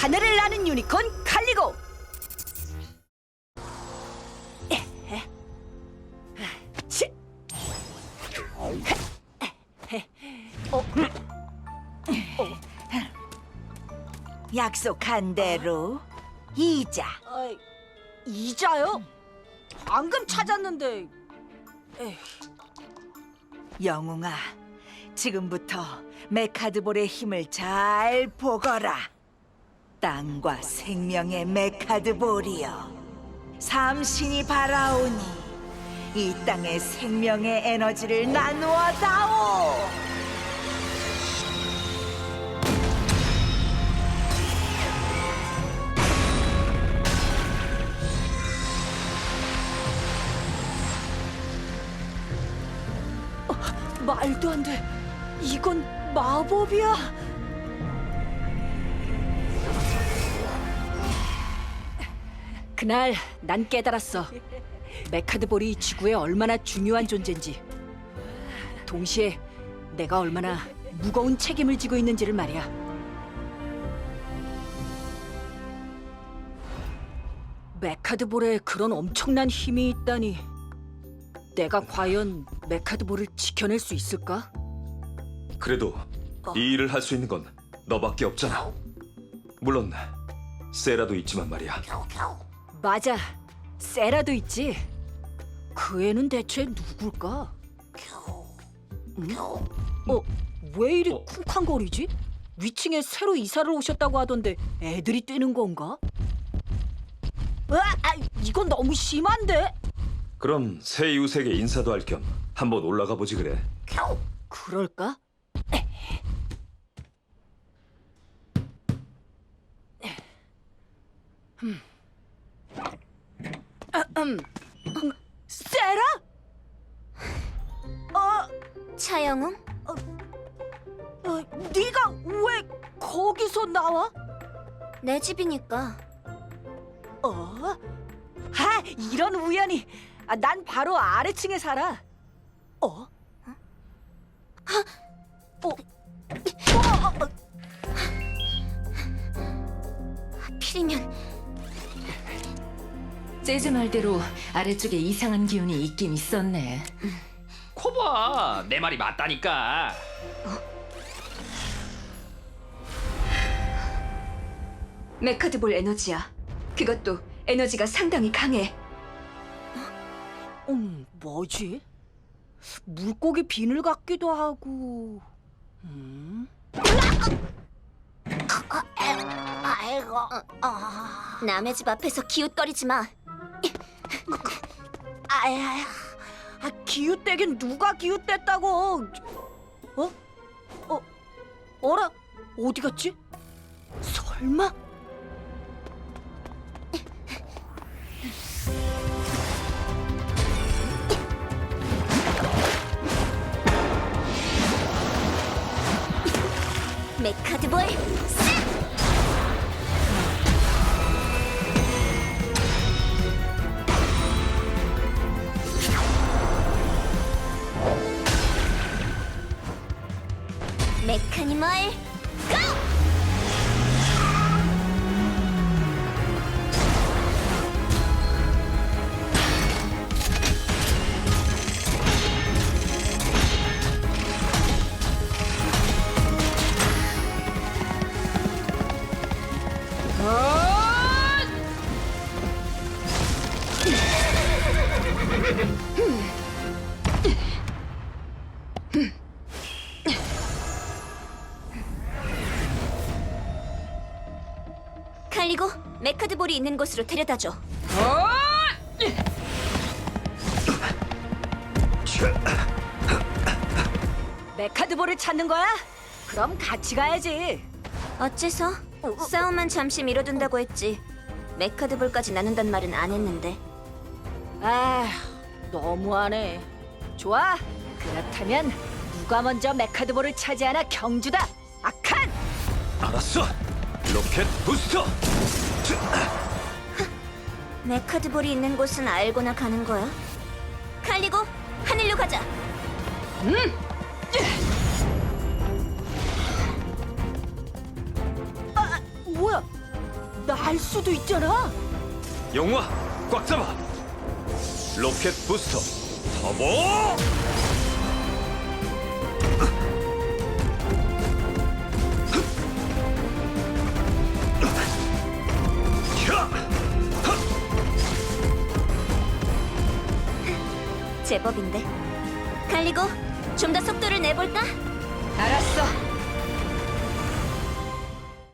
하늘을 나는 유니콘 칼리고. 치. 약속한 대로 이자. 이자요? 방금 찾았는데. 영웅아, 지금부터 메카드볼의 힘을 잘 보거라. 땅과 생명의 메카드볼이여, 삼신이 바라오니 이 땅의 생명의 에너지를 나누어 다오. 말도 안 돼. 이건 마법이야. 그날 난 깨달았어. 메카드볼이 지구에 얼마나 중요한 존재인지. 동시에 내가 얼마나 무거운 책임을 지고 있는지를 말이야. 메카드볼에 그런 엄청난 힘이 있다니. 내가 과연 메카드볼을 지켜낼 수 있을까? 그래도 이 일을 할 수 있는 건 너밖에 없잖아. 물론 세라도 있지만 말이야. 맞아, 세라도 있지. 그 애는 대체 누굴까? 응? 왜 이리 쿵쾅거리지? 위층에 새로 이사를 오셨다고 하던데 애들이 뛰는 건가? 이건 너무 심한데? 그럼 새 이웃에게 인사도 할 겸 한번 올라가 보지 그래. 그럴까? 세라? 차영웅? 네가 왜 거기서 나와? 내 집이니까. 이런 우연이. 난 바로 아래층에 살아. 하필이면 재즈 말대로 아래쪽에 이상한 기운이 있긴 있었네. 코봐, 내 말이 맞다니까. 메카드볼 에너지야. 그것도 에너지가 상당히 강해. 뭐지? 물고기 비늘 같기도 하고. 아이고. 남의 집 앞에서 기웃거리지 마. 기웃대긴 누가 기웃댔다고? 어라? 어디 갔지? 설마? 메카드볼 싹! 메카니멀 고! 칼리고, 메카드볼이 있는 곳으로 데려다줘. 메카드볼을 찾는 거야? 그럼 같이 가야지. 어째서? 싸움만 잠시 미뤄둔다고 했지. 메카드볼까지 나눈단 말은 안 했는데. 너무하네. 좋아. 그렇다면 누가 먼저 메카드볼을 차지하나 경주다. 아칸! 알았어. 로켓 부스터. 메카드볼이 있는 곳은 알고나 가는 거야? 칼리고, 하늘로 가자. 뭐야? 날 수도 있잖아. 영웅아, 꽉 잡아. 로켓 부스터 터보. 제법인데. 갈리고 좀 더 속도를 내볼까? 알았어.